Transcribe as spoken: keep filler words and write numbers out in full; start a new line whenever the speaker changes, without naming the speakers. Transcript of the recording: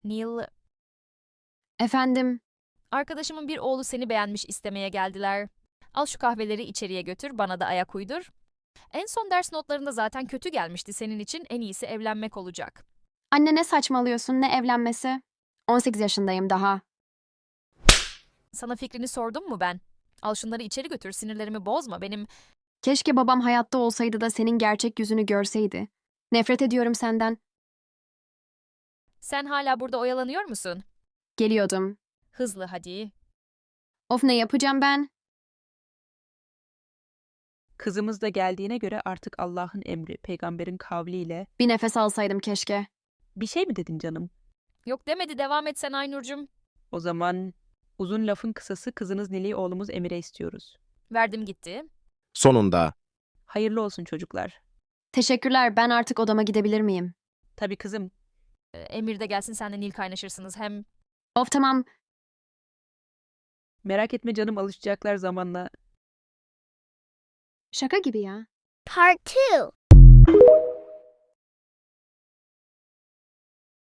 Neil,
Efendim,
arkadaşımın bir oğlu seni beğenmiş istemeye geldiler. Al şu kahveleri içeriye götür, bana da ayak uydur. En son ders notlarında zaten kötü gelmişti senin için en iyisi evlenmek olacak.
anne ne saçmalıyorsun, ne evlenmesi? on sekiz yaşındayım daha.
Sana fikrini sordum mu ben? Al şunları içeri götür, sinirlerimi bozma. Benim
Keşke babam hayatta olsaydı da senin gerçek yüzünü görseydi. Nefret ediyorum senden.
sen hala burada oyalanıyor musun?
Geliyordum.
Hızlı hadi.
Of ne yapacağım ben?
Kızımız da geldiğine göre artık Allah'ın emri, peygamberin kavliyle...
Bir nefes alsaydım keşke.
Bir şey mi dedin canım?
Yok demedi, devam et sen Aynur'cum.
O zaman uzun lafın kısası kızınız Nil'i oğlumuz Emir'e istiyoruz.
Verdim gitti.
Sonunda.
Hayırlı olsun çocuklar.
Teşekkürler, ben artık odama gidebilir miyim?
Tabii kızım,
Ee, Emir de gelsin, sen de Nil kaynaşırsınız. Hem
Of tamam,
merak etme canım, alışacaklar zamanla.
şaka gibi ya.
Part two.